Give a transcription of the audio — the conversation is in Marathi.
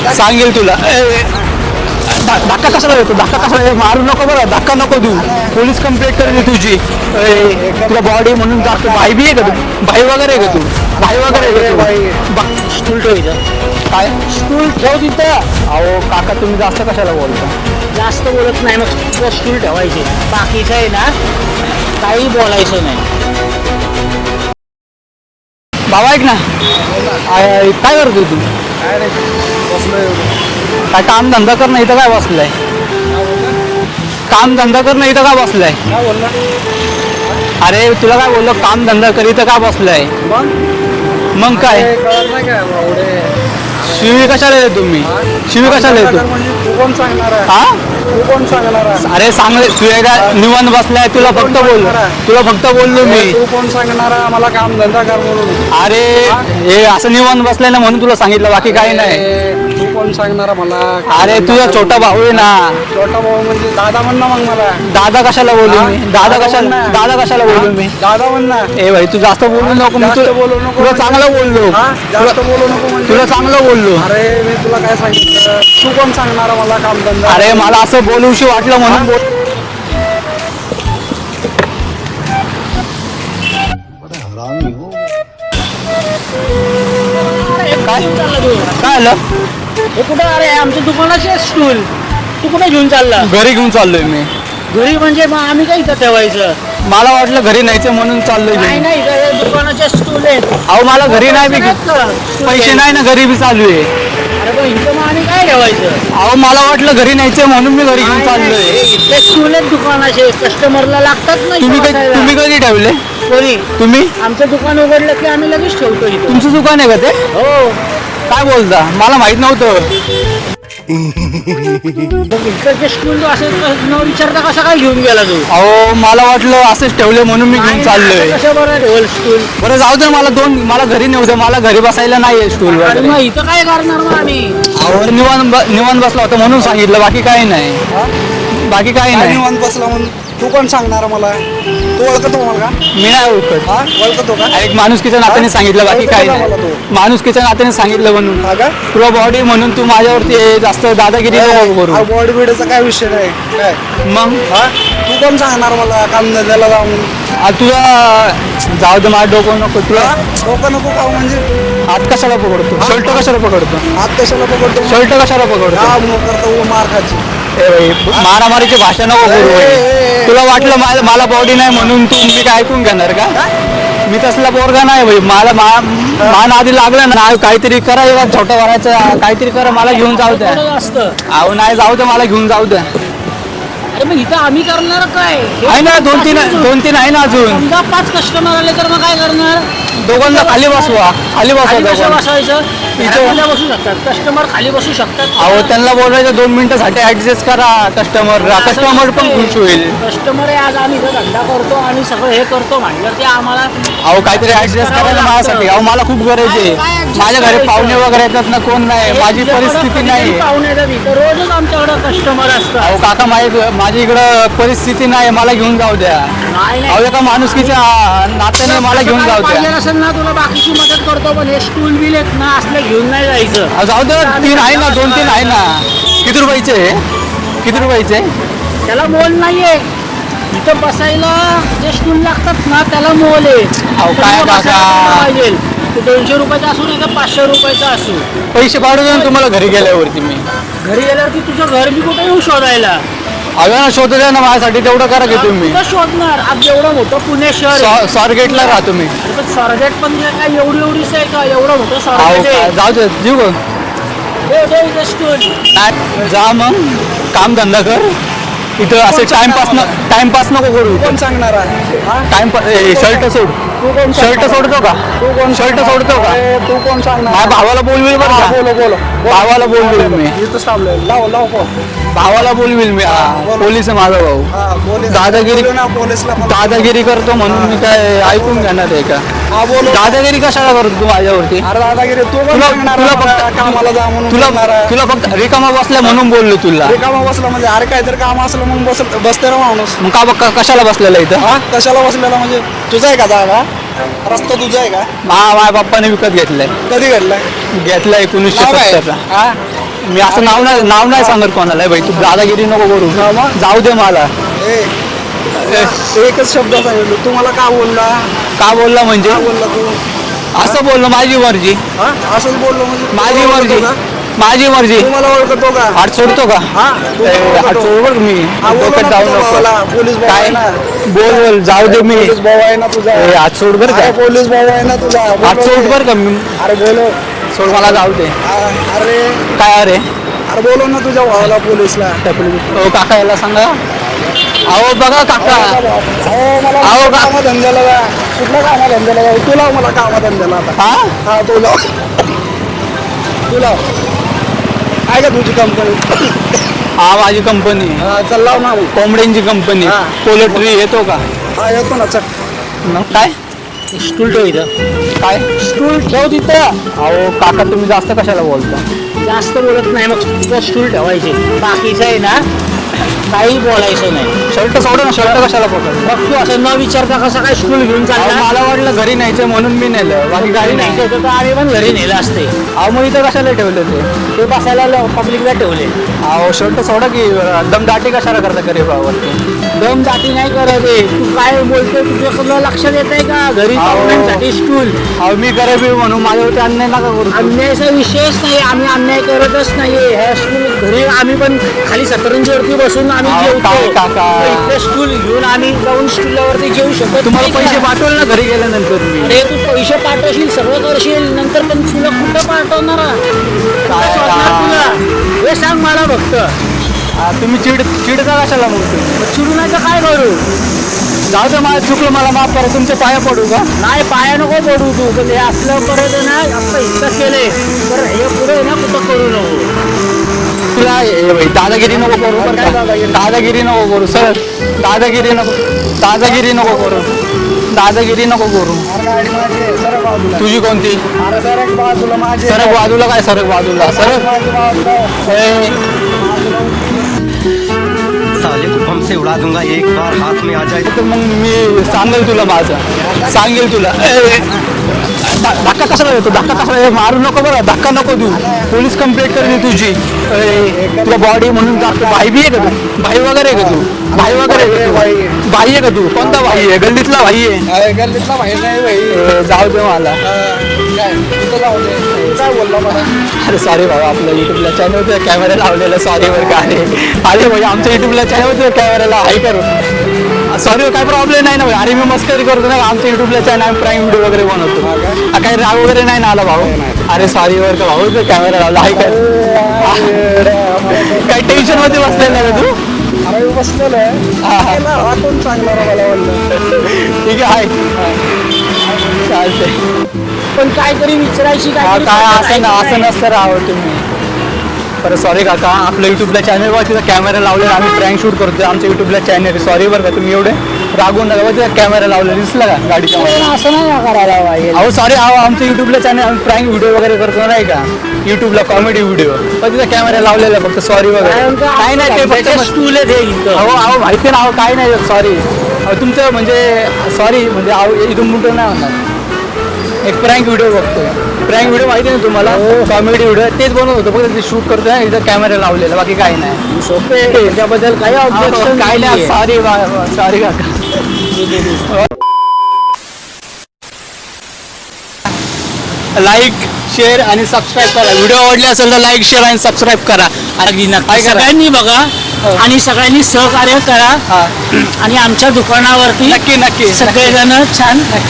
सांगेल तुला. धक्का कशाला देतो, धक्का कशाला मारू नको बरं, धक्का नको देऊ. पोलीस कंप्लेंट करेल तुझी. तुला बॉडी म्हणून जातो. भाई बी आहे का तू? भाई वगैरे आहे का तू? भाई वगैरे आहे का तू? स्टूल ठेवायचं. काय स्टूल ठेव तिथं. अहो काका तुम्ही जास्त कशाला बोलता? जास्त बोलत नाही, मग स्टूल ठेवायचे. बाकीचं आहे ना काही बोलायचं नाही. बाबा ऐक ना, काय करतो तू? काय काम धंदा कर, नाही तर काय बसलाय? काम धंदा कर, नाही तर काय बसलाय? अरे तुला काय बोललो, काम धंदा करी तर का बसलाय? मग काय शिवी कशाला येतो तुम्ही? शिवी कशाला येतो? हा अरे सांग, तू एकदा निवांत बसलाय, तुला फक्त बोललो मी. तू कोण सांगणार मला काम धंदा कर म्हणून? अरे हे असं निवांत बसलाय ना म्हणून तुला सांगितलं, बाकी काही नाही. तू कोण सांगणार मला? अरे तुझा छोटा भाऊ आहे ना. छोटा भाऊ म्हणजे दादा म्हण ना मग मला. दादा कशाला बोलू मी? दादा कशाला बोलू मी? दादा म्हण ना. ए भाई तू जास्त बोलू नको. मी बोलू नको. तुला चांगलं बोललो. जास्त बोलू नको म्हणजे? तुला चांगलं बोललो. अरे मी तुला काय सांगितलं? तू कोण सांगणार मला काम धंदा? अरे मला असं बोलूशी वाटलं म्हणून बोल. काय आलं? हे कुठं? अरे आमच्या दुकानाचे स्टूल तू कुठे घेऊन चालला? घरी घेऊन चाललोय मी. घरी म्हणजे मग आम्ही काय इथं ठेवायचं? मला वाटलं घरी न्यायचं म्हणून चाललोय नाही घेऊन. नाही, इथं दुकानाचे स्टूल आहेत. अहो मला घरी नाही बी, पैसे नाही ना, घरी बी चालू आहे. अरे पण इथं मग आम्ही काय ठेवायचं? अहो मला वाटलं घरी न्यायचं म्हणून मी घरी घेऊन चाललोय. इथले स्टूल आहेत दुकानाचे, कस्टमरला लागतात ना. तुम्ही कधी ठेवले? कोणी? तुम्ही? आमचं दुकान उघडलं की आम्ही लगेच ठेवतो इथं. तुमचं दुकान आहे का ते? हो. काय बोलता? मला माहित नव्हतं. मग इकडचे स्टूल असे न विचारता कसा काय घेऊन गेला तू? अहो मला वाटलं असंच ठेवले म्हणून मी घेऊन चाललोय. कशा बरं ठेवल स्टूल? बरं जाऊ दे, मला घरी नेऊ दे. मला घरी बसायला नाहीये स्टूल आणि वगैरे. मग इथं काय करणार मग आम्ही? अहो निवांत बसला होता म्हणून सांगितलं, बाकी काही नाही. बाकी काही काय नाही. निवांत बसला म्हणून? तू कोण सांगणार मला? तू ओळखतो मला का? मी नाही ओळखत. ओळखतो का? एक माणुसकीच्या नात्याने सांगितलं, बाकी काही नाही. माणुसकीच्या नात्याने सांगितलं म्हणून. हा का? तुला बॉडी म्हणून तू माझ्यावरती जास्त दादागिरी नको करू. बॉडी बिडीचा काय विषय नाही काय. मग तू कोण सांगणार मला काम धंद्याला जाऊन? तुला जाऊ दे, माझं डोकं नको. तुला डोकं नको का म्हणजे? हात कशाला पकडतो? शर्ट कशाला पकडतो? हात कशाला पकडतो? शर्ट कशाला पकडतो? हा मग करतो मार खायची. ए भाई मारामारीची भाषा नको करू भाई. तुला वाटलं मला बॉडी नाही म्हणून तू मी काय ऐकून घेणार का? मी तसला पोरगा नाही भाई. मला मान आधी लागलं ना, काहीतरी करा, छोटं वरायचं काहीतरी करा, मला घेऊन जाऊ द्या. असतं. अहो नाही जाऊ द्या, मला घेऊन जाऊ द्या. अरे मग इथं आम्ही करणार काय? आहे ना, दोन तीन आहे ना अजून. समजा 5 कस्टमर आले तर मग काय करणार? दोघांना खाली बसवा. खाली कसं दोघांना. बसवायचं? इथं. इथं बसू शकतात कस्टमर, खाली बसू शकतात. अहो त्यांना बोलायचं 2 मिनिटासाठी ऍडजस्ट करा. कस्टमर पण खुश होईल. कस्टमर आहे, आज आम्ही इथं धंदा करतो आणि सगळं हे करतो म्हणलं ते आम्हाला. अहो काहीतरी ऍडजस्ट करायला माझ्यासाठी. अहो मला खूप गरज आहे. काय adjust माझ्या घरी करायचं? पाहुणे वगैरे येतात ना, कोण नाही, माझी परिस्थिती नाही. पाहुणे येतात इथं, रोजच आमच्याकडे कस्टमर असतात. अहो काका माझी इकडं परिस्थिती नाही, मला घेऊन जाऊ द्या. नाही अहो एका माणुसकीच्या नात्याने मला घेऊन जाऊ पाहिजे द्या. असेल ना तुला बाकीची मदत करतो, पण हे स्टूल बिल आहेत ना असले घेऊन नाही जायचं. अहो, जाऊ दे, 3 आहे ना, 2-3 आहे ना. किती रुपयाचे? त्याला मोल नाहीये. इथं बसायला जे स्टूल लागतात ना त्याला मोल आहे. अहो, काय तर मग काका? बसायला पाहिजे. ते 200 रुपयाचा असू नाही तर 500 रुपयाचा असू. पैसे पाडू देऊन तुम्हाला घरी गेल्यावरती मी. घरी गेल्यावरती तुझं घर मी कुठे येऊ शोधायला? अगं ना शोधू द्या ना माझ्यासाठी, तेवढं करा की तुम्ही. कुठं शोधणार? आज एवढं मोठं पुणे शहर आहे. स्वारगेटला राहा तुम्ही. अरे पण स्वारगेट पण काय एवढीच आहे का? एवढं मोठं अहो स्वारगेट आहे. जाऊ दे, जीव गं. दे इथं स्टूल. नाही, जा मग काम धंदा कर. इथं असे टाइमपास नको करू. कोण सांगणार आहे? शर्ट सोड. शर्ट सोडतो का? शर्ट सोडतो का? तू कोण सांगणार? माझ्या भावाला बोलविल बरं का? बोलो. भावाला बोलविल मी. इथंच थांबलोय. लाव फोन. भावाला बोलविल मी. पोलीस आहे माझा भाऊ. पोलीस दादागिरी- बोलू ना पोलीसला पण. दादागिरी करतो म्हणून मी काय ऐकून घेणार आहे का? हा बोलो. दादागिरी कशाला करतो तू माझ्यावरती? अरे दादागिरी तू कोण तुला सांगणार तुला मला फक्त कामाला जा म्हणून बोलणार आहे? तुला फक्त रिकामा बसल्या म्हणून बोललो तुला. रिकामा बसला म्हणजे अरे काहीतरी काम असलं म्हणून बसते ना माणूस. मग कशाला बसलेला इथं? हा कशाला बसलेला म्हणजे? तुझा आहे का जागा? रस्ता तुझा आहे का? माझ्या बाप्पाने विकत घेतलाय. कधी घडलाय? घेतलाय 1970 चा. हा मी असं नाव नाही सांगत कोणाला भाई, तू दादागिरी नको करू, जाऊ दे मला. एकच शब्द सांगितलं, तू मला का बोलला? का बोलला म्हणजे? का बोलला तू? असं बोललो, माझी मर्जी, हा असंच बोललो म्हणजे माझी तू मर्जी, ओळखतो का? माझी मर्जी. तू मला ओळखतो का? हात सोडतो का? हा तू मला हात ओळखतो? सोड बघ, मी हा, बोलव डोक्यात ना जाऊ तुझ्या नको. भावाला, पोलीस भाऊ काय आहे ना. बोल, जाऊ दे मी. पोलीस भाऊ आहे ना तुझा. हात सोड बरं अरे का, पोलीस भाऊ आहे ना तुझा. हात बोलव सोड रे. बरं का, मी अरे बोलो. सोड, मला जाऊ दे. अरे काय अरे? अरे बोलव ना तुझ्या भावाला पोलीसला. ओ काका, याला सांगा. अहो बघा काका, मला अहो का- कामधंद्याला जा. कुठल्या कामधंद्याला जा? तू लाव मला कामधंद्याला आता. हा हा तू लाव. तू लाव. आहे का तुझी कंपनी? हा माझी कंपनी, हा चल लाव ना मग. कोंबड्यांची कंपनी, हा. पोल्ट्री येतो का? हा येतो ना चल. मग काय स्टूल ठेव इथं. काय स्टूल ठेव तिथं. अहो काका, तुम्ही जास्त कशाला बोलता? जास्त बोलत नाही, मग तुझं स्टूल ठेवायचे. बाकीचं आहे ना काही बोलायचं नाही. शर्ट सोडा ना, शर्ट कशाला पकड? मग तू असं न विचारता कसं काय स्टूल घेऊन चालला? मला वाटलं घरी न्यायचं म्हणून मी नेलं, बाकी गाडी गाडी नाही नाही. तर आम्ही पण घरी नेलं असते. अहो मग इथं कशाला ठेवलं ते? ते बसायला पब्लिकला ठेवले. अहो शर्ट सोडा की, दमदाटी कशाला करता गरीबावरती? दम दाटी नाही करत आहे. तू काय बोलतोय, तुझ्याकडलं लक्षात येत आहे का? घरी अहो. पाहुण्यांसाठी स्टूल. अहो मी गरीब आहे म्हणून माझ्यावरती अन्याय नका करू. अन्यायाचा विषयच नाही, आम्ही अन्याय करतच नाहीये. ह्या स्टूल घरी आम्ही पण खाली सतरंजीवरती बसून आम्ही अहो, जेवतो. काय काका? तर इथे स्टूल घेऊन आम्ही जाऊन स्टूलवरती जेवू शकत तुम्हाला नाही पैसे का? पाठवले ना घरी गेल्यानंतर मी. अरे तू पैसे पाठवशील, सगळं करशील, नंतर पण तुला कुठं पाठवणार? काय कसं वाटणार तुला? हे सांग मला फक्त. तुम्ही चिडता कशाला मग तुम्ही? मग चिडू नाही तर काय करू? जाऊ दे, मला चुकलं, मला माफ करा. तुमच्या पाया पडू का? नाही पाया नको पडू तू. पण हे असलं परत आहे ना, असं इतकं केलंय तर हे पुढे ना कुठं करू नको. तुला दादागिरी नको करू बरं काय का? दादागिरी? दादागिरी नको करू सर, दादागिरी नको, दादागिरी नको करू, दादागिरी नको करू. अरे गाडी माझी आहे, सरक बाजूला. तुझी कोणती? अरे सरक बाजूला माझी आहे. सरक बाजूला. काय सरक बाजूला? सरक. माझी बाजूला. ए, साले को बम से उड़ा दूंगा एक बार हाथ में आ जाए तर मग मी सांगेल तुला, माझं सांगेल तुला. ए, धक्का कशाला देतो? धक्का कशाला? ए, मारू नको बरं, धक्का नको देऊ. पोलीस कंप्लेंट करेल तुझी. ए, तुला बॉडी म्हणून दाखव. भाई बी आहे का तू? भाई वगैरे आहे का तू? भाई वगैरे आहे का तू? भाई आहे का तू? कोणता भाई आहे? गल्लीतला भाई आहे? अरे गल्लीतला माहिती नाही भाई. जाऊ दे मला. काय तिथं लावू दे. तू काय बोलला मला? अरे सॉरी भाऊ, आपल्या युट्यूबला चॅनलवर कॅमेरा लावलेला, सॉरी बरं का. अरे भाई, आमच्या युट्यूबला चॅनलवर कॅमेराला हाय करू. सॉरी, काय प्रॉब्लेम नाही ना भाई. अरे मी मस्करी करतो ना, आमच्या युट्यूबला चॅनल प्राईम व्हिडिओ वगैरे बनवतो. काही राग वगैरे नाही ना आला भाऊ? अरे सॉरी बरं का भाऊ, कॅमेरा लावला हाय कर. काही टेन्शन मध्ये बसलेला ना तू? अरे बसलेलो आहे. हा कोण चांगला रे मला बोललं. ठीक आहे, हाय. चालतंय. पण काहीतरी विचारायची काय असं नसतं राहावं तुम्ही. बरं सॉरी काका, आपल्या युट्यूबला चॅनलवर तिथं कॅमेरा लावलेला, आम्ही प्रँक शूट करतोय आमच्या युट्यूबला चॅनल. सॉरी बरं का, तुम्ही एवढे रागवून नका. तिथं कॅमेरा लावलेला दिसला का गाडीच्या मध्ये? असं नाही ना करायला पाहिजे. अहो सॉरी, अहो आमच्या युट्यूबला चॅनल, आम्ही प्रँक व्हिडिओ वगैरे करतो नाही का युट्यूबला, कॉमेडी व्हिडिओ. पण तिथं कॅमेरा लावलेला फक्त. सॉरी वगैरे काय नाही, ते फक्त स्टूल आहे ते इथं. अहो माहिती ना, अहो काय नाही, सॉरी. तुमचं म्हणजे सॉरी म्हणजे अहो इथून मोठं नाही होणार. एक प्रँक व्हिडिओ बघतोय. प्रँक व्हिडिओ माहिती आहे ना तुम्हाला? कॉमेडी व्हिडिओ तेच बनवत होतो, फक्त ते शूट करतोय ना, इथं कॅमेरा लावलेला, बाकी काही नाही. सोपे आहे. त्याच्याबद्दल काही ऑब्जेक्शन काय नाही. सॉरी सॉरी काका. लाईक, शेअर आणि सबस्क्राईब करा. व्हिडिओ आवडले असेल तर लाईक, शेअर आणि सबस्क्राईब करा. अगदी नक्की. काय करा? सगळ्यांनी बघा आणि सगळ्यांनी सहकार्य करा. हा, आणि आमच्या दुकानावरती नक्की नक्की सगळेजण छान